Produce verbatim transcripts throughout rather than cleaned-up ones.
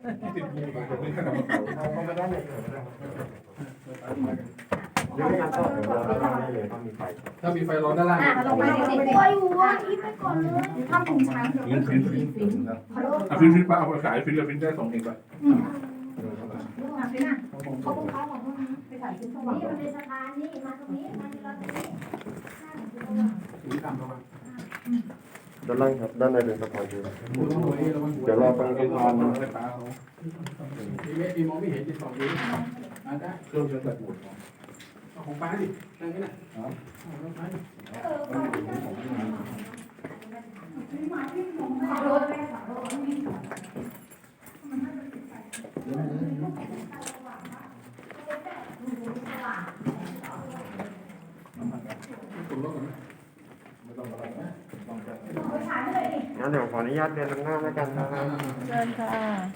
ติดมือผมไม่ขนาดเขาเขาไม่ได้เลยเดี๋ยวงานก็เดี๋ยวเราได้เลยต้องมีไฟถ้ามีไฟร้อนด้านล่างอ่ะลงไปสิบตัวอยู่อ่ะอีไปก่อนเลยทำถุงช้างฟินฟินฟินฟินอ่ะฟินฟินป้าเอาไปขายฟินเลยฟินได้สองเองไปอ่ะฟินอ่ะเขาคงค้าบอกว่าไปขายชิ้นสว่างนี่มันเป็นสะพานนี่มาตรงนี้มาที่เราตรงนี้สีดำแล้วมั้งด้านล่างครับด้านในเป็นสะพานอยู่เดี๋ยวรอฟังกันก่อนนะไปป้าเขามีเมฆมีมองไม่เห็นจะสองนิ้วอ่ะได้เครื่องจะเกิดหมดของป้าดินั่งกันนะอ๋อของป้าดิงั้นเดี๋ยวขออนุญาตเดินนำหน้าแล้วกันนะครับเชิญค่ะ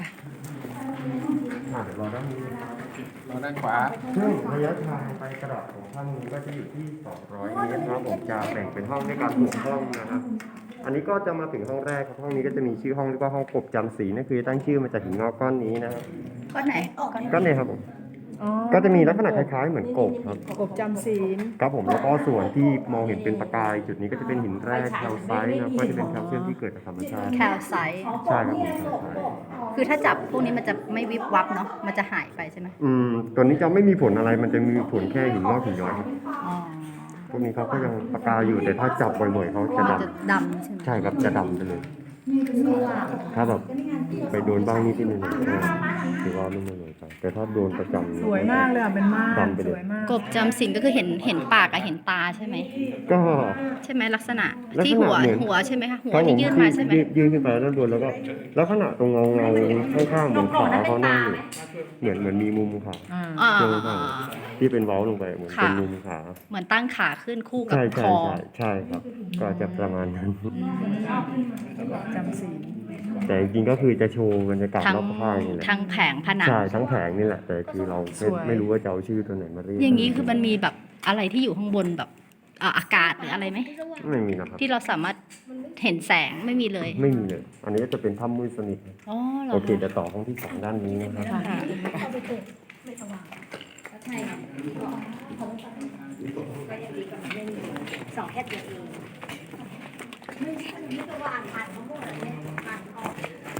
อ่าเดี๋ยวรอด้านนี้เราด้านขวาซึ่งระยะทางไปกระดาษของถ้ำนี้ก็จะอยู่ที่สองร้อยเมตรครับผมจะแบ่งเป็นห้องด้วยกันหกห้องนะครับ อันนี้ก็จะมาถึงห้องแรกครับห้องนี้ก็จะมีชื่อห้องเรียกว่าห้องกบจำศีลนั่นคือตั้งชื่อมาจากหินงอกก้อนนี้นะครับก้อนไหนก้อนนี้ครับผมอ๋อก็จะมีลักษณะคล้ายๆเหมือนกบครับกบจำศีลครับผมแล้วก็ส่วนที่มองเห็นเป็นประกายจุดนี้ก็จะเป็นหินแร่แคลไซต์นะครับก็จะเป็นแคลเซียมที่เกิดจากธรรมชาติแคลไซต์ใช่ครับผมแคลไซต์คือถ้าจับพวกนี้มันจะไม่วิบวับเนาะมันจะหายไปใช่ไหมอืมตัวนี้จะไม่มีผลอะไรมันจะมีผลแค่หินงอกหินย้อยครับอ๋อพวกนี้เขาก็ยังประกายอยู่แต่ถ้าจับบ่อยๆเขาจะมันดจะดำใช่ไหมำใช่ครับจะดำไปเลย ถ้าแบบไปโดนบ้างนิดนิดหน่อยๆก็ถือว่าไม่ไม่เลยไปแต่ถ้าโดนประจำสวยมากเลยอ่ะเป็นมากดำไปสเลยวยมากกบจำศีลก็คือเห็นเห็นปากกับเห็นตาใช่ไหมก็ใช่ไหมลักษณะลักษณะที่หัวเหมือนหัวใช่ไหมคะหัวครับผที่มยื่นมาใช่ไหมยื่นยื่นขึ้นไปด้านบนแล้วก็แล้วขณะตรงเงาเงาข้างๆเหมือนขาเขานั่งอยู่เหมือนเหมือนมีมุมขาอ่าอ่าเชิงขาที่เป็นเว้าลงไปเหมือนเป็นมุมขาเหมือนตั้งขาขึ้นคู่กับใช่คใช่อใช่ใช่ครับ ก็จะประมาณนั้นจำศีลแต่จริงๆก็คือจะโชว์บรรยากาศทั้งรอบข้างนี่แหละทั้งแผงผนังใช่ทั้งแผงนี่แหละ แต่คือเราไม่ไม่รู้ว่าจะเอาชื่อตัวไหนมาเรียกอย่างนี้คือมันมีแบบอะไรที่อยู่ข้างบนแบบอ่าอากาศหรืออะไรไหมไม่มีนะครับที่เราสามารถเห็นแสงไม่มีเลยไม่มีเลย อันนี้ก็จะเป็นถ้ำมืดสนิทอ๋อเหรอโอเคเดี๋ยวต่อห้องที่สองด้านนี้นะครับค่ะสองแค่เดียวเองไม่ใช่ไม่จะว่าอ่านผ่านทั้งหมดเลยอ่านออก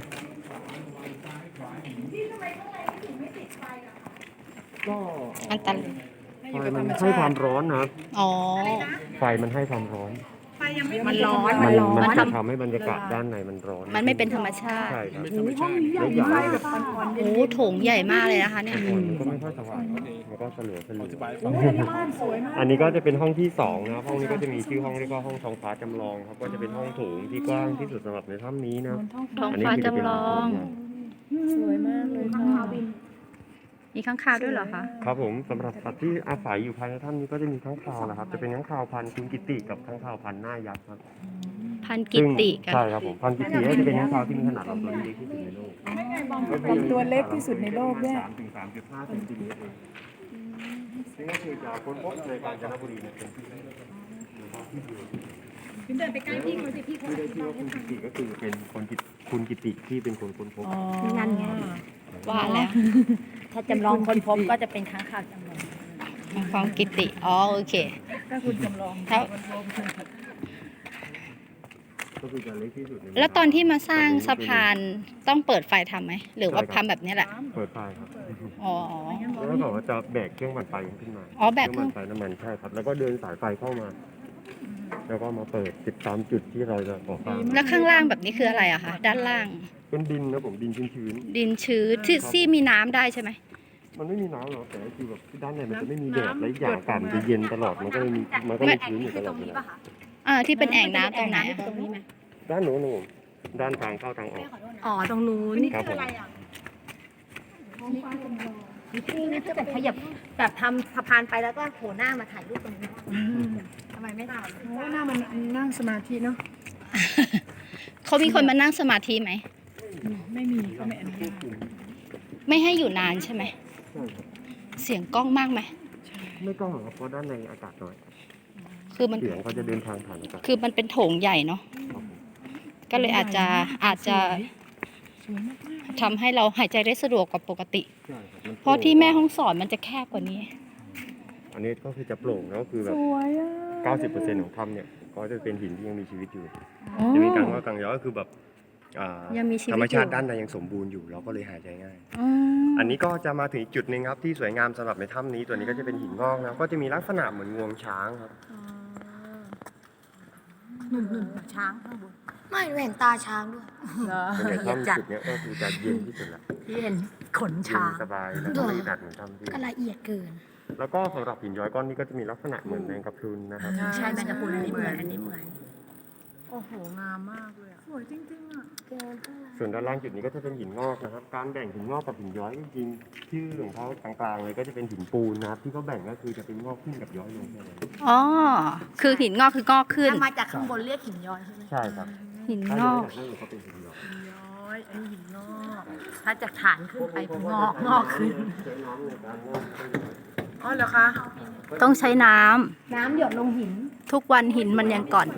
ที่ทำไมข้างในไม่ถึงไม่ติดไฟล่ะคะก็อันตรายไฟมันให้ความร้อนนะครับอ๋อไฟมันให้ความร้อนไฟยังไม่มันร้อนมัมันนร้อนมันมันจะทำทำให้บรรยากาศด้านในมันร้อนมันไม่เป็นธรรมชาติใช่ครับห้องนี้ใหญ่แล้วอย่างไฟนี้แบบอ่อนๆโอ้โถงใหญ่มากเลยนะคะเนี่ยก่อนมันก็ไม่ค่อยสว่างมันก็สลัวสลัวโอ้ยอันนี้บ้านสวยมากอันนี้ก็จะเป็นห้องที่สองนะครับห้องนี้ก็จะมีชื่อห้องเรียกว่าห้องท้องฟ้าจำลองครับก็จะเป็นห้องโถงที่กว้างที่สุดสำหรับในถ้ำนี้นะท้องอันนี้ฟ้าคือจะเป็นจำลองสวยมากเลยค่ะมีข้างคาวด้วยเหรอคะครับผมสำหรับสัตว์ที่อาศัยอยู่ภายในถ้ำนี้ก็จะมีข้างคาวนะครับจะเป็นข้างคาวพันธุ์คุณกิติกับข้างคาวพันธุ์หน้ายักษ์ครับพันกิตติกันใช่ครับผมพันธุ์กิติก็จะเป็นข้างคาวที่มีขนาดลำตัวเล็กที่สุดในโลกลำตัวเล็กที่สุดในโลกด้วยสามถึงสามจุดห้าเซนติเมตรเองซึ่งก็คือจะค้นพบในกาญจนบุรีเนี่ยเป็นที่แรกคุณเดินไปใกล้พี่เขาสิพี่เขาที่ได้ชื่อว่าคุณกิติก็คือเป็นคนกิตคุณกิติที่เป็นคนค้นพบอ๋อนั่นไงว่าแล้วถ้าจำลองคนพบก็จะเป็นค้างคาวจำลองของกิตติ อ๋อโอเคก็คุณจำลองแล้วก็คือจะเล็กที่สุดในแล้วตอนที่มาสร้างสะพานต้องเปิดไฟทำไหม หรือว่าทำแบบนี้แหละเปิดไฟครับอ๋อแล้วก็บอกว่าจะแบกเครื่องปั่นไฟขึ้นมาอ๋อแบกเครื่องปั่นไฟน้ำมันใช่ครับ แล้วก็เดินสายไฟเข้ามา แล้วก็มาเปิดติดตามจุดที่เราจะก่อสร้างแล้วข้างล่างแบบนี้คืออะไรอะคะ ด้านล่างเป็นดินนะผมดินชื้นดินชื้นที่ที่มีน้ำได้ใช่ไหมๆมันไม่มีน้ำหรอกแต่คือแบบด้านในมันจะไม่มีแดดและอีกอย่างอากาศมันจะเย็นตลอดมันก็เลยมีมันก็เลยชื้นอยู่ตลอดเวลาอ่าที่เป็นแอ่งน้ำตรงไหนอะตรงนี้ไหมด้านโน้นนะผมด้านทางเข้าทางออกอ๋อตรงนู้นครับผมนี่นี่จะแบบขยับแบบทำสะพานไปแล้วก็โผล่หน้ามาถ่ายรูปตรงนี้ทำไมไม่ได้โอ้หน้ามันนั่งสมาธิเนาะเขามีคนมานั่งสมาธิไหมไม่มีเขาไม่อนุญาตไม่ให้อยู่นานใช่ไหมใช่ครับเสียงกล้องมากไหมไม่ต้องหรอกครับเพราะด้านในอากาศน้อยคือมันเสียงเขาจะเดินทางผ่านอากาศคือมันเป็นโถงใหญ่เนาะครับผมก็เลยอาจจะอาจจะสวยมากทำให้เราหายใจได้สะดวกกว่าปกติใช่ครับมันโปเพราะที่แม่ห้องสอนมันจะแคบกว่านี้อันนี้ก็คือจะโปร่งแล้วก็คือแบสบวยอ่ะเก้าสิบเปอร์เซ็นต์ของถ้ำเนี่ยก็จะเป็นหินที่ยังมีชีวิตอยู่อ๋อจะมีกังว่ากังย้อยก็คือแบบอ่ายังมีชีวิตธรรมชาติอยู่ด้านในยังสมบูรณ์อยู่เราก็เลยหายใจง่ายอืมอันนี้ก็จะมาถึงอีกจุดหนึ่งครับที่สวยงามสำหรับในถ้ำนี้ตัวนี้ก็จะเป็นหินงอกนะก็จะมีลักษณะเหมือนงวงช้างครับหนุ่มๆช้างข้างบนไม่หนูเห็นตาช้างด้วยเหรอส่วนใหญ่ถ้ำจุดเนี้ยก็คือจะเย็นที่สุดละที่เห็นขนเย็ช้าน งสบายแล้วก็ไม่หนักเหมือนถ้ำที่ก็ละเอียดเกินแล้วก็สำหรับหินย้อยก้อนนี้ก็จะมีลักษณะเหมือนแมงกะพรุนนะครับใช่แมงกะพรุนอันนี้เหมือนอันนี้เหมือนโอ้โห งามมากเลยอ่ะ สวยจริงๆอ่ะส่วนด้านล่างจุดนี้ก็จะเป็นหินงอกนะครับ การแบ่งหินงอกกับหินย้อยจริงๆชื่อของเขากลางๆเลยก็จะเป็นหินปูนนะครับที่เขาแบ่งก็คือจะเป็นงอกขึ้นกับย้อยลงแค่นั้นอ๋อ คือหินงอกคืองอกขึ้นถ้ามาจากข้างบนเรียกหินย้อยใช่ไหมใช่ครับหินถ้าง ย้ออยกจากนั่นเขาเป็นหินย้อยย้อย อันนี้หินงอกถ้าจากฐานขึ้นไปเป็นงอกงอกขึ้นใช้น้ำในการงอกให้ย้อยอ๋อเหรอคะต้องใช้น้ำน้ำหยดลงหินทุกวันหินมันยังก่อน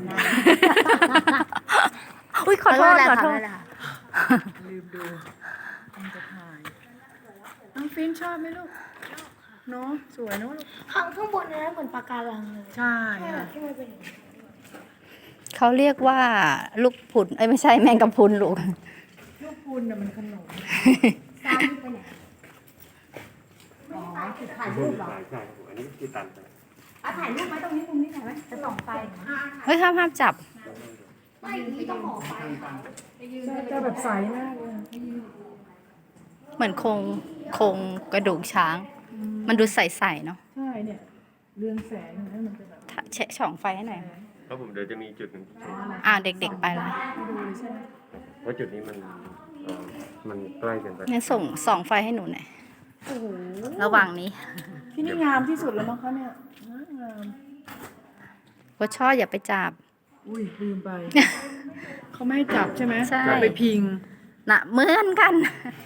อุ้ยขอโทษขอโทษลืมดูมันจะถ่าย น้องฟินชอบไหมลูกเนาะสวยเนาะลูกข้างข้างบนนั้นเหมือนปะการังเลยใช่ค่ะที่มันเป็นเขาเรียกว่าลูกผุนเอ้ยไม่ใช่แมงกะพรุนลูกลูกคุณน่ะมันขนมตามที่ไปไหนอ๋อจุดถ่ายรูปเหรอใช่ใช่ครับผมอันนี้คือตันไปอ่ะถ่ายรูปไหมตรงนี้ตรงนี้ถ่ายไหมจะส่องไฟเฮ้ยห้ามห้ามจับไม่นี่ต้องหมอไฟจะแบบใสมากเลยเหมือนโครงโครงกระดูกช้าง มันดูใสๆเนาะใช่เนี่ย เรืองแสงนะมันจะแบบถ้าเช็คช่องไฟให้หน่อยแล้วผมเดี๋ยวจะมีจุดหนึ่งที่โชว์อ่าเด็กๆไปละให้ดูเลยใช่ไหมเพราะจุดนี้มันเอ่อมันใกล้เกินไปงั้นส่งส่องไฟให้หนูหน่อยโอ้โหระหว่างนี้ที่นี่งามที่สุดแล้วมั้งคะเนี่ยงามว่าช่ออย่าไปจับอุ้ยลืมไป เขาไม่ให้จับใช่ไหมใช่จับไปพิงน่ะเหมือนกัน